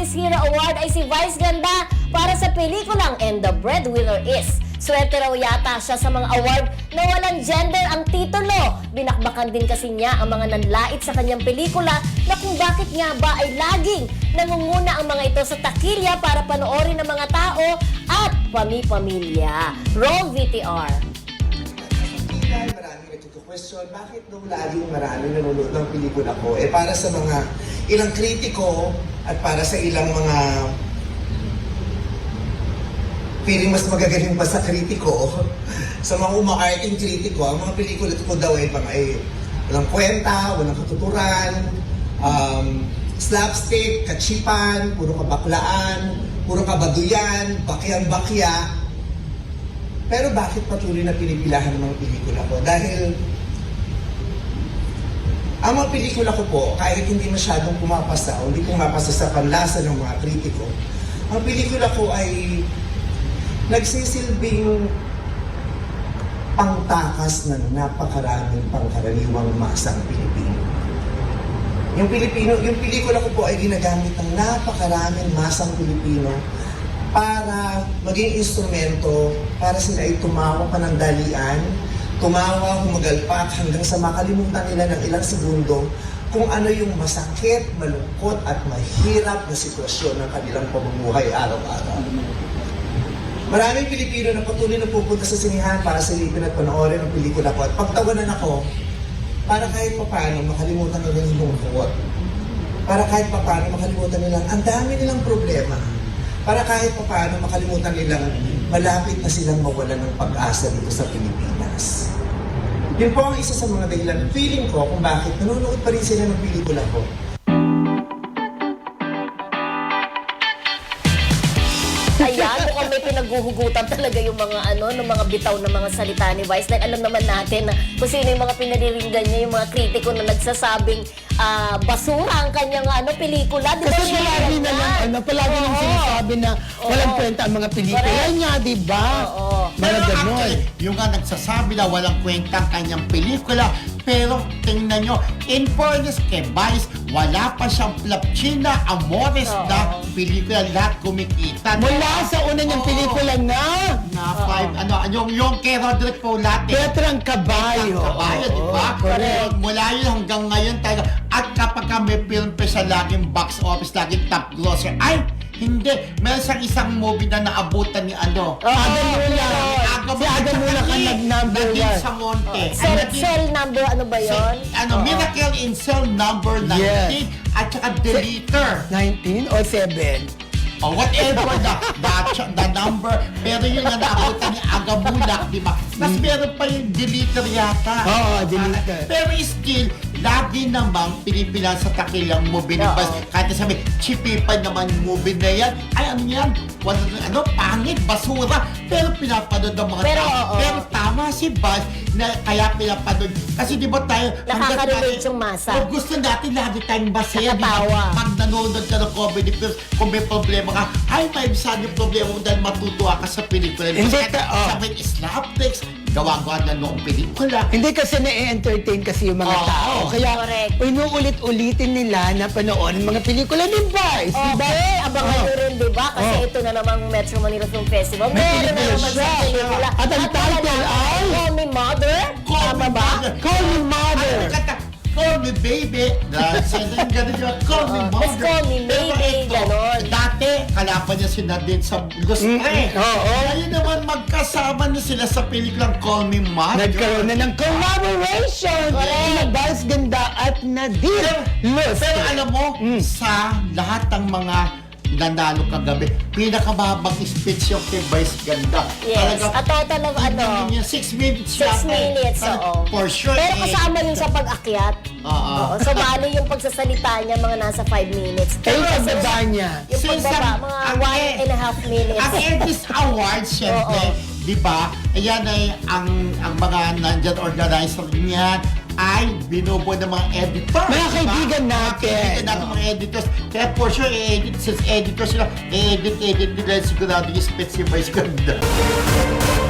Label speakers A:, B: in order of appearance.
A: Showbiz Hero Award ay si Vice Ganda para sa pelikulang And the Breadwinner Is. Swerte raw yata siya sa mga award na walang gender ang titulo. Binakbakan din kasi niya ang mga nanlait sa kanyang pelikula na kung bakit nga ba ay laging nangunguna ang mga ito sa takilya para panoorin ng mga tao at pami-pamilya. Roll VTR.
B: Maraming nagtutu-question, bakit nung laging maraming nanonood ng pelikula ko? Para sa mga ilang kritiko at para sa ilang mga feeling mas magagaling pa sa kritiko, sa mga umaarting kritiko, ang mga pelikula ko daw ay walang kwenta, walang katuturan, slapstick, kachipan, puro kabaklaan, puro kabaduyan, bakyang-bakya. Pero bakit patuloy na pinipilahan ng mga pelikula ko? Dahil ang mga pelikula ko po, kahit hindi masyadong pumapasa o hindi pumapasa sa panlasa ng mga kritiko, ang pelikula ko ay nagsisilbing pangtakas ng napakaraming pangkaraniwang masang Pilipino. Yung pelikula ko po ay ginagamit ng napakaraming masang Pilipino para maging instrumento para sila ay tumawa panandalian, tumawa, humagalpak hanggang sa makalimutan nila ng ilang segundo kung ano yung masakit, malungkot at mahirap na sitwasyon ng kanilang pamumuhay araw-araw. Maraming Pilipino na patuloy na pupunta sa sinihan para silipin at panoorin ang pelikula ko at pagtawanan ako para kahit paano makalimutan nila yung lungkot. Para kahit paano makalimutan nila ang dami nilang problema. Para kahit paano makalimutan nilang malapit na silang mawalan ng pag-asa dito sa Pilipinas. Yun po ang isa sa mga dahilan. Feeling ko kung bakit nanonood pa rin sila ng pelikula ko.
A: Ayan, mukhang may pinaghuhugutan talaga yung mga ng mga bitaw ng mga salita ni Vice. Dahil alam naman natin na kung sino yung mga pinaniringgan niya, yung mga kritiko na nagsasabing basura ang kanyang pelikula. Di ba?
C: Kasi palagi na lang, palagi nang sinasabi na walang kwenta ang mga pelikula niya, di ba? Mga
D: Pero
C: ganon.
D: actually, yung nga nagsasabi na walang kwenta ang kanyang pelikula, pero tingnan nyo, in fairness kay Vice, wala pa siyang Plapchina Amores na pelikula, lahat kumikita.
C: Mula sa una niyang pelikula na
D: Yung kay Roderick Paulate.
C: Petrang Kabayo.
D: Kabayo, di ba?
C: Correct.
D: Mula yun hanggang ngayon tayo. At kapag may film pa siya laging box office, laging top grosser, ay, hindi. Meron siyang isang movie na naabutan ni
C: Adam Mula. Si Adam Mula ka nag-number
D: Naging
C: one.
D: sa Monte.
A: Cell number, ano ba yun?
D: Miracle in Cell number 19
C: Yes.
D: at saka Deleter.
C: 19 o 7?
D: O whatever the number. Pero yun na naabutan ni Agamulak, di ba? Tapos meron pa yung Deleter yata.
C: Oo, Deleter.
D: Pero still, lagi namang pinipilan sa takilang movie ni Bas. Kahit sabi, chipipan naman movie na yan. Ay, ano yan? Pangit, basura. Pero pinapanood ng mga tao. Pero tama si Bas na kaya pinapanood. Kasi di ba tayo,
A: Nakaka-relate yung masa.
D: kung gusto natin lagi tayong masaya, di
A: Nakatawa.
D: ba? Pag nanonood ka ng comedy films, kung may problema ka, ay, may saan yung problema mo dahil matutuwa ka sa pelikula.
C: Hindi
D: Kasi
C: ka-
D: sabi, slapsticks, gawa-gawa na noong pelikula.
C: Hindi kasi na-entertain kasi yung mga tao. Kaya
A: Correct.
C: inuulit-ulitin nila na panoorin mga pelikula ni Vice. Di ba?
A: Okay, abangan nyo rin, di ba? Kasi ito na namang Metro Manila Film Festival.
C: May
A: Meron na
C: pelikula
A: naman
C: siya.
A: sa pelikula.
C: At ang title ay
A: Call Me Mother. Tama ba?
C: Call Me Mother.
D: Ano kanta? Call me baby. Ganun yun. Call me mother.
A: Let's call me maybe,
D: Pero ito,
A: ganon.
D: Dati, kalaban niya si Nadine sa Lustre.
C: Oo.
D: Ngayon naman, magkasama na sila sa pelikulang Call Me Mother.
C: Nagkaroon na ng collaboration. Sina Vice Ganda at Nadine Lustre.
D: Pero alam mo, sa lahat ng mga nanalo kagabi, pinakababang speech yung kay Vice Ganda.
A: Yes. At total of
D: 6 minutes
A: 6 minutes, oo.
D: For sure.
A: Pero kasama yun sa pag-akyat.
D: Oo.
A: So, bali yung pagsasalita niya, mga nasa 5 minutes.
C: Pero
A: Kasi
C: ang baba niya.
A: yung
D: Since
A: pagbaba, mga 1.5 minutes.
D: Ang Edis Awards, syempre, di ba? Ayan ay ang mga nandyan organizer niyan ay binubuo ng mga editors.
C: Mga
D: diba?
C: kaibigan natin.
D: Mga kaibigan natin, mga editors. Kaya for sure, since editors sila, edit nila sigurado yung speech si Vice Ganda.